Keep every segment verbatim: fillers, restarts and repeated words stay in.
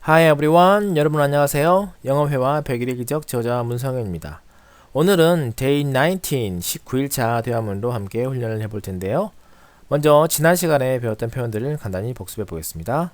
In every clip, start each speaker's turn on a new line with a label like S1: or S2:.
S1: Hi everyone. 여러분 안녕하세요. 영어회화 백일의 기적 저자 문성현입니다. 오늘은 Day 나인틴, 십구 일차 대화문으로 함께 훈련을 해볼 텐데요. 먼저 지난 시간에 배웠던 표현들을 간단히 복습해 보겠습니다.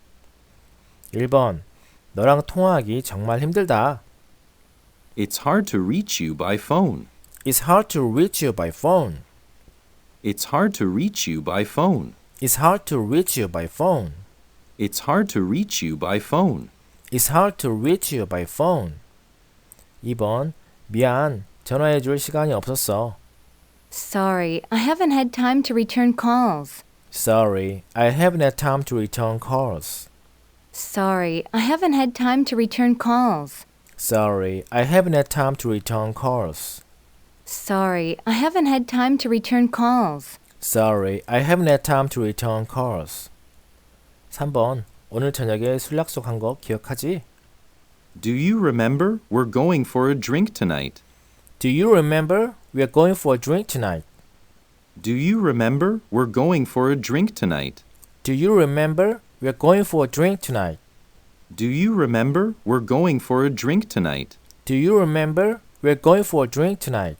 S1: 일 번. 너랑 통화하기 정말 힘들다.
S2: It's hard to reach you by phone.
S1: It's hard to reach you by phone.
S2: It's hard to reach you by phone.
S1: It's hard to reach you by phone.
S2: It's hard to reach you by phone.
S1: It's hard to reach you by phone. 이 번. 미안. 전화해 줄 시간이 없었어.
S3: Sorry, I haven't had time to return calls.
S1: Sorry, I haven't had time to return calls.
S3: Sorry, I haven't had time to return calls.
S1: Sorry, I haven't had time to return calls.
S3: Sorry, I haven't had time to return calls.
S1: Sorry, I haven't had time to return calls. 삼 번. 오늘 저녁에 술 약속한 거 기억하지?
S2: Do you remember? We're going for a drink tonight.
S1: Do you remember? We're going for a drink tonight.
S2: Do you remember? We're going for a drink tonight.
S1: Do you remember? We're going for a drink tonight.
S2: Do you remember? We're going for a drink tonight.
S1: Do you remember? We're going for a drink tonight.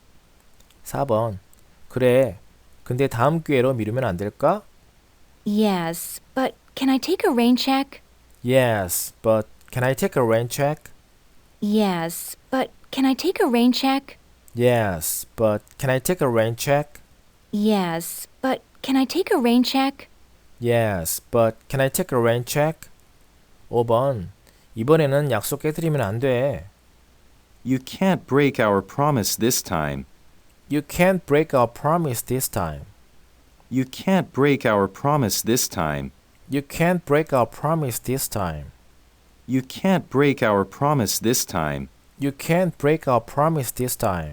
S1: 사 번. 그래. 근데 다음 기회로 미루면 안 될까?
S3: Yes, but can I take a rain check?
S1: Yes, but can I take a rain check?
S3: Yes, but can I take a rain check?
S1: Yes, but can I take a rain check?
S3: Yes, but can I take a rain check?
S1: Yes, but can I take a rain check? 오 번. 이번에는 약속 깨뜨리면 안 돼.
S2: You can't break our promise this time.
S1: You can't break our promise this time.
S2: You can't break our promise this time.
S1: You can't break our promise this time.
S2: You can't break our promise this time.
S1: You can't break our promise this time.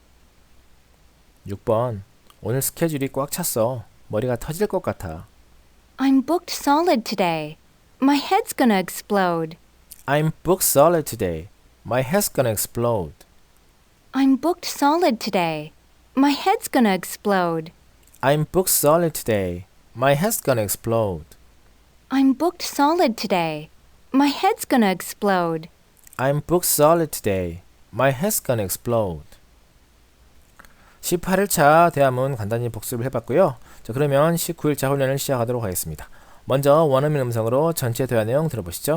S1: 육 번. 오늘 스케줄이 꽉 찼어. 머리가 터질 것 같아.
S3: I'm booked solid today. My head's gonna explode.
S1: I'm booked solid today. My head's gonna explode.
S3: I'm booked solid today. My head's gonna explode.
S1: I'm booked solid today. My head's gonna explode.
S3: I'm booked solid today. My head's gonna explode.
S1: I'm booked solid today. My head's gonna explode. 십팔 일차 대화문 간단히 복습을 해봤고요. 자, 그러면 십구 일차 훈련을 시작하도록 하겠습니다. 먼저 원어민 음성으로 전체 대화 내용 들어보시죠.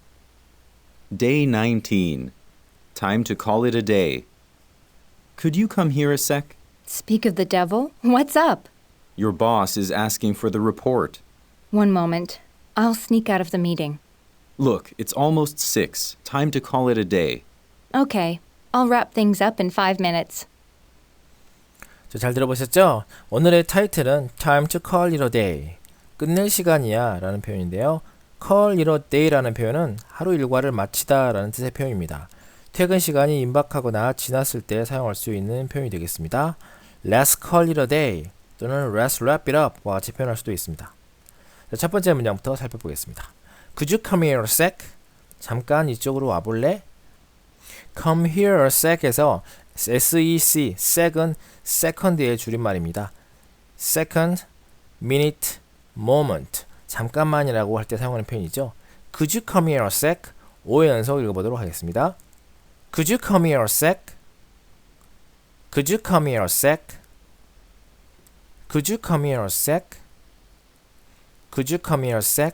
S2: Day nineteen. Time to call it a day. Could you come here a sec?
S3: Speak of the devil. What's up?
S2: Your boss is asking for the report.
S3: One moment. I'll sneak out of the meeting.
S2: Look, it's almost six. Time to call it a day.
S3: Okay. I'll wrap things up in five minutes.
S1: 자, 잘 들어보셨죠? 오늘의 타이틀은 Time to call it a day. 끝낼 시간이야 라는 표현인데요. call it a day라는 표현은 하루 일과를 마치다 라는 뜻의 표현입니다. 퇴근 시간이 임박하거나 지났을 때 사용할 수 있는 표현이 되겠습니다. Let's call it a day 또는 Let's wrap it up과 같이 표현할 수도 있습니다. 자, 첫 번째 문장부터 살펴보겠습니다. Could you come here a sec? 잠깐 이쪽으로 와볼래? Come here a sec에서 sec, sec은 second의 줄임말입니다. second, minute, moment, 잠깐만이라고 할 때 사용하는 표현이죠. Could you come here a sec? 오의 연속 읽어보도록 하겠습니다. Could you come here a sec? Could you come here a sec? Could you come here a sec? Could you come here a sec?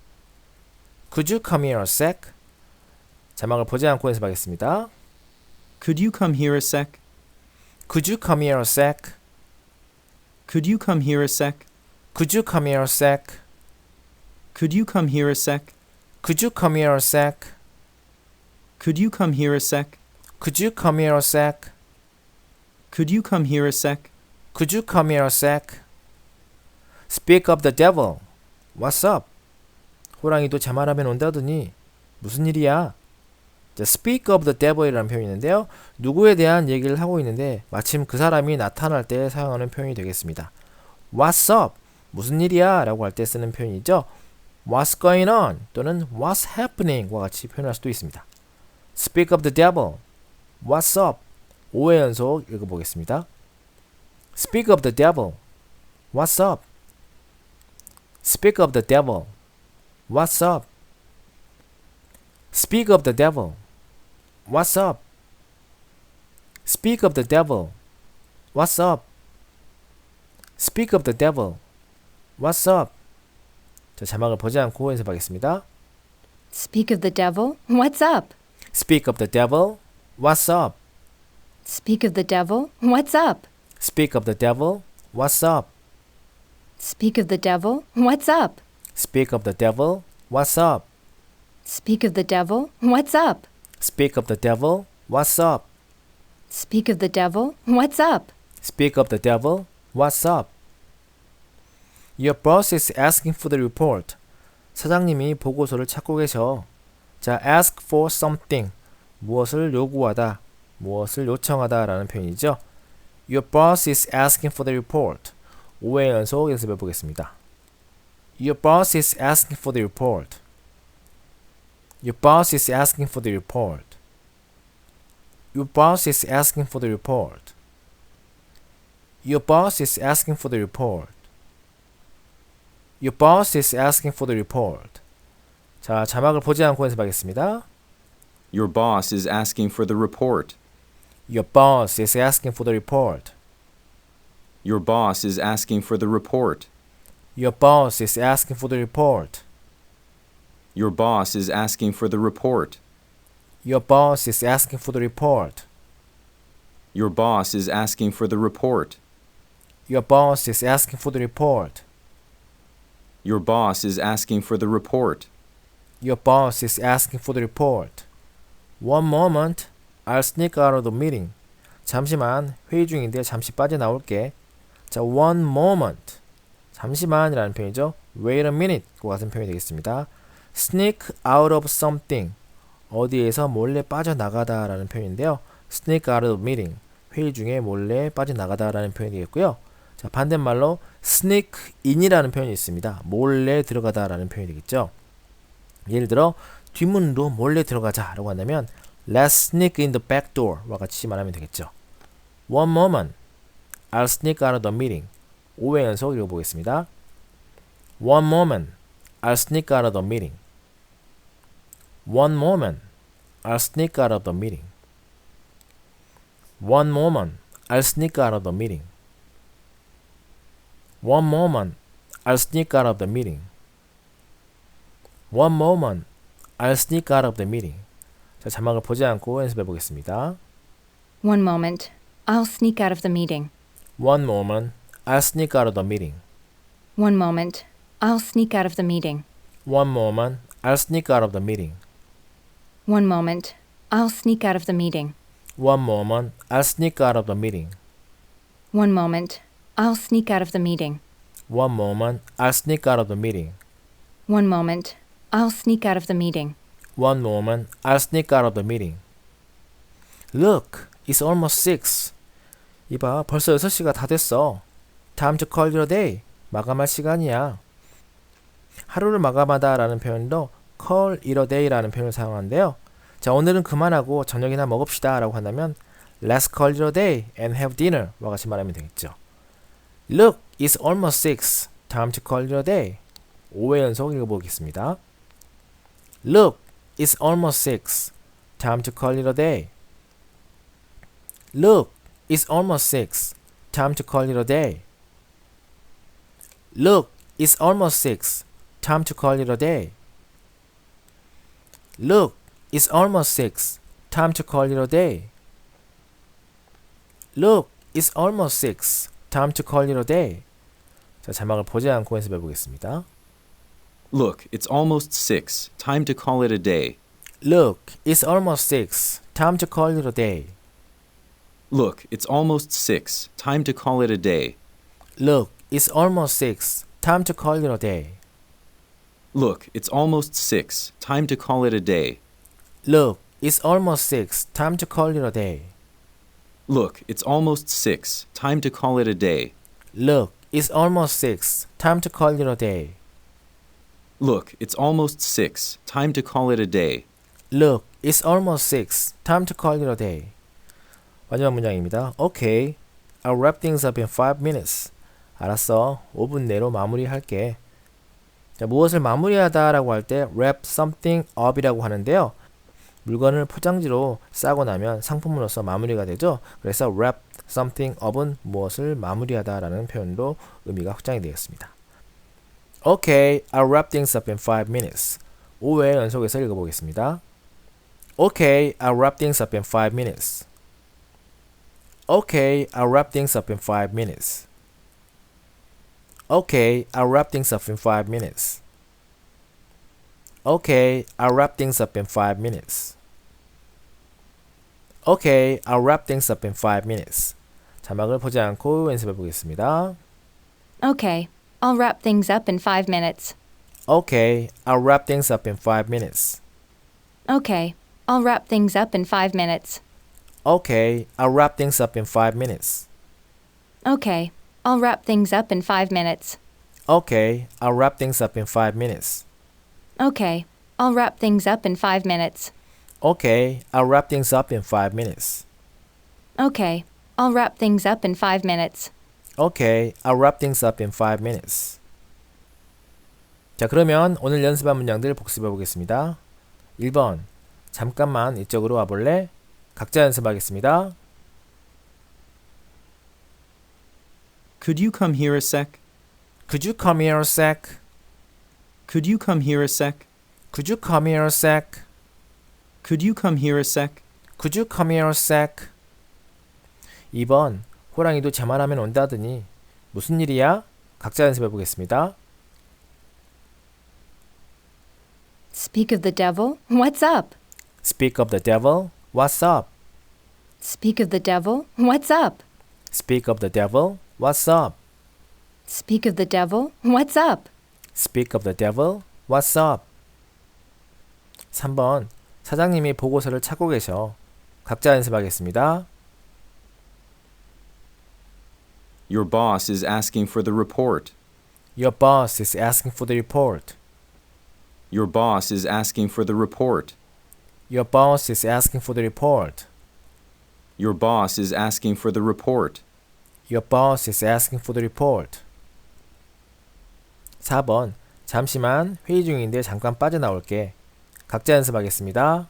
S1: Could you come here a sec? 자막을 보지 않고 연습하겠습니다.
S2: Could you come here a sec?
S1: Could you come here a sec?
S2: Could you come here a sec?
S1: Could you come here a sec?
S2: Could you come here a sec?
S1: Could you come here a sec?
S2: Could you come here a sec?
S1: Could you come here a sec?
S2: Could you come here a sec?
S1: Could you come here a sec? Speak of the devil. What's up? 호랑이도 자말하면 온다더니 무슨 일이야? 자, speak of the devil이라는 표현이 있는데요. 누구에 대한 얘기를 하고 있는데 마침 그 사람이 나타날 때 사용하는 표현이 되겠습니다. What's up? 무슨 일이야? 라고 할 때 쓰는 표현이죠. What's going on? 또는 What's happening과 같이 표현할 수도 있습니다. Speak of the devil. What's up? 오회 연속 읽어보겠습니다. Speak of the devil. What's up? Speak of the devil. What's up? Speak of the devil. What's up? Speak of the devil. What's up? Speak of the devil. What's up? 자, 자막을 보지 않고 연습하겠습니다.
S3: Speak of the devil. What's up?
S1: Speak of the devil. What's up?
S3: Speak of the devil. What's up?
S1: Speak of the devil. What's up?
S3: Speak of the devil. What's up?
S1: Speak of the devil. What's up?
S3: Speak of the devil. What's up?
S1: Speak of the devil. What's up?
S3: Speak of the devil. What's up?
S1: Speak of the devil. What's up? Your boss is asking for the report. 사장님이 보고서를 찾고 계셔. 자, ask for something. 무엇을 요구하다, 무엇을 요청하다 라는 표현이죠. Your boss is asking for the report. 오 회 연속 연습해 보겠습니다. Your boss is asking for the report. Your boss is asking for the report. Your boss is asking for the report. Your boss is asking for the report. Your boss is asking for the report. 자, 자막을 보지 않고 연습하겠습니다.
S2: Your boss is asking for the report.
S1: Your boss is asking for the report.
S2: Your boss is asking for the report.
S1: Your boss is asking for the report.
S2: Your boss is asking for the report.
S1: Your boss is asking for the report.
S2: Your boss is asking for the report.
S1: Your boss is asking for the report.
S2: Your boss is asking for the report.
S1: Your boss is asking for the report. One moment, I'll sneak out of the meeting. 잠시만, 회의 중인데 잠시 빠져나올게. 자, one moment. 잠시만이라는 표현이죠. Wait a minute. 그 같은 표현이 되겠습니다. Sneak out of something. 어디에서 몰래 빠져나가다 라는 표현인데요. Sneak out of the meeting. 회의 중에 몰래 빠져나가다 라는 표현이 되겠고요. 자, 반대말로 sneak in이라는 표현이 있습니다. 몰래 들어가다 라는 표현이 되겠죠. 예를 들어 뒷문으로 몰래 들어가자 라고 한다면 Let's sneak in the back door 와 같이 말하면 되겠죠. One moment, I'll sneak out of the meeting. 오 회 연속 읽어보겠습니다. One moment, I'll sneak out of the meeting. One moment, I'll sneak out of the meeting. One moment, I'll sneak out of the meeting. One moment, I'll sneak out of the meeting. One moment, I'll sneak out of the meeting. 자, 자막을 보지 않고 연습해 보겠습니다.
S3: One moment. I'll sneak out of the meeting.
S1: One moment, I'll sneak out of the meeting.
S3: One moment. I'll sneak out of the meeting.
S1: One moment, I'll sneak out of the meeting.
S3: One moment. I'll sneak out of the meeting.
S1: One moment, I'll sneak out of the meeting.
S3: One moment. I'll sneak out of the meeting.
S1: One moment, I'll sneak out of the meeting.
S3: One moment. I'll sneak out of the meeting.
S1: One moment, I'll sneak out of the meeting. Look, it's almost six. 이봐, 벌써 여섯 시가 다 됐어. Time to call your day. 마감할 시간이야. 하루를 마감하다 라는 표현도 call it a day 라는 표현을 사용하는데요. 자, 오늘은 그만하고 저녁이나 먹읍시다 라고 한다면 Let's call it a day and have dinner 와 같이 말하면 되겠죠. Look, it's almost six. Time to call it a day. 오 회 연속 읽어보겠습니다. Look, it's almost six. Time to call it a day. Look, it's almost six. Time to call it a day. Look, it's almost six. Time to call it a day. Look, it's almost six. Time to call it a day. Look, it's almost six. Time to call it a day. 자, 자막을 보지 않고 연습해 보겠습니다.
S2: Look, it's almost six. Time to call it a day.
S1: Look, it's almost six. Time to call it a day.
S2: Look, it's almost six. Time to call it a day.
S1: Look, it's almost six. Time to call it a day.
S2: Look, it's almost six. Time to call it a day.
S1: Look, it's almost six. Time to call it a day.
S2: Look, it's almost six. Time to call it a day.
S1: Look, it's almost six. Time to call it a day.
S2: Look, it's almost six. Time to call it a day.
S1: Look, it's almost six. Time to call it a day. 마지막 문장입니다. Okay, I'll wrap things up in five minutes. 알았어. 오 분 내로 마무리할게. 자, 무엇을 마무리하다 라고 할 때 wrap something up이라고 하는데요. 물건을 포장지로 싸고 나면 상품으로서 마무리가 되죠. 그래서 wrap something up은 무엇을 마무리하다 라는 표현으로 의미가 확장이 되겠습니다. Okay, I'll wrap things up in five minutes. 오 회 연속해서 읽어보겠습니다. Okay, I'll wrap things up in five minutes. Okay, I'll wrap things up in five minutes. Okay, I'll wrap things up in five minutes. Okay, I'll wrap things up in five minutes. Okay, I'll wrap things up in five minutes. 자막을 보지 않고 연습해 보겠습니다.
S3: Okay, I'll wrap things up in five minutes.
S1: Okay, I'll wrap things up in five minutes.
S3: Okay, I'll wrap things up in five minutes.
S1: Okay, I'll wrap things up in five minutes.
S3: Okay, I'll wrap things up in five minutes.
S1: Okay, I'll wrap things up in five minutes.
S3: Okay, I'll wrap things up in five minutes.
S1: Okay, I'll wrap things up in five minutes.
S3: Okay, I'll wrap things up in five minutes.
S1: Okay, I'll wrap things up in five minutes. 자, 그러면 오늘 연습한 문장들 복습해 보겠습니다. 일 번, 잠깐만 이쪽으로 와볼래? 각자 연습하겠습니다.
S2: Could you come here a sec?
S1: Could you come here a sec?
S2: Could you come here a sec?
S1: Could you come here a sec?
S2: Could you come here a sec?
S1: Could you come here a sec? 이 번, 호랑이도 제 말하면 온다더니 무슨 일이야? 각자 연습해 보겠습니다.
S3: Speak of the devil, what's up?
S1: Speak of the devil, what's up?
S3: Speak of the devil, what's up?
S1: Speak of the devil, what's up?
S3: Speak of the devil, what's up?
S1: Speak of the devil, what's up? 삼 번, 사장님이 보고서를 찾고 계셔. 각자 연습하겠습니다.
S2: Your boss is asking for the report.
S1: Your boss is asking for the report.
S2: Your boss is asking for the report.
S1: Your boss is asking for the report.
S2: Your boss is asking for the report.
S1: Your boss is asking for the report. 사 번, 잠시만 회의 중인데 잠깐 빠져나올게. 각자 연습하겠습니다.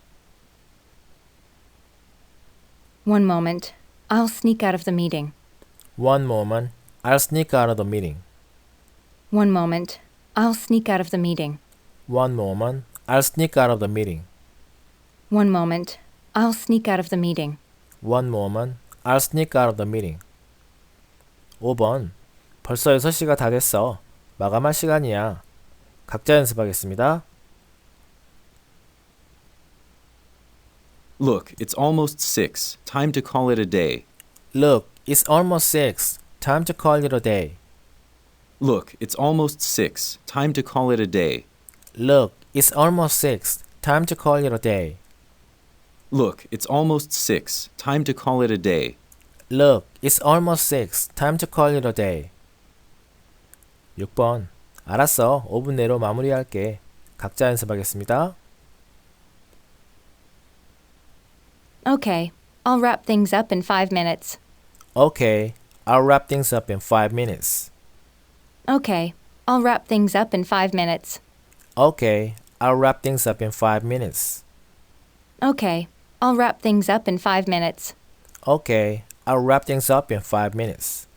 S3: One moment, I'll sneak out of the meeting.
S1: One moment, I'll sneak out of the meeting.
S3: One moment, I'll sneak out of the meeting.
S1: One moment, I'll sneak out of the meeting.
S3: One moment, I'll sneak out of the meeting.
S1: One moment, I'll sneak out of the meeting. 오 번, 벌써 여섯 시가 다 됐어. 마감할 시간이야. 각자 연습하겠습니다.
S2: Look, it's almost six. Time to call it a day.
S1: Look, it's almost six. Time to call it a day.
S2: Look, it's almost six. Time to call it a day.
S1: Look, it's almost six. Time to call it a day.
S2: Look, it's almost six. Time to call it a day.
S1: Look, it's almost six. Time to call it a day. 육 번, 알았어. 오 분 내로 마무리할게. 각자 연습하겠습니다.
S3: Okay, I'll wrap things up in five minutes.
S1: Okay, I'll wrap things up in five minutes.
S3: Okay, I'll wrap things up in five minutes.
S1: Okay, I'll wrap things up in five minutes.
S3: Okay, I'll wrap things up in five minutes.
S1: Okay, I'll wrap things up in five minutes.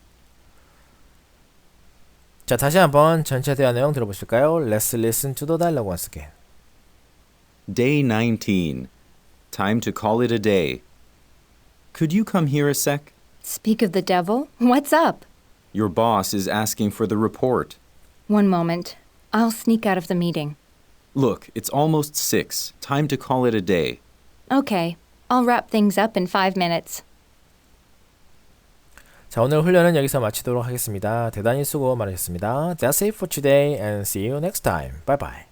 S1: 자, 다시 한번 전체 대화 내용 들어보실까요? Let's listen to the dialogue once again.
S2: Day nineteen. Time to call it a day. Could you come here a sec?
S3: Speak of the devil, what's up?
S2: Your boss is asking for the report.
S3: One moment, I'll sneak out of the meeting.
S2: Look, it's almost six. Time to call it a day.
S3: Okay, I'll wrap things up in five minutes.
S1: 자, 오늘 훈련은 여기서 마치도록 하겠습니다. 대단히 수고 많으셨습니다. That's it for today and see you next time. Bye bye.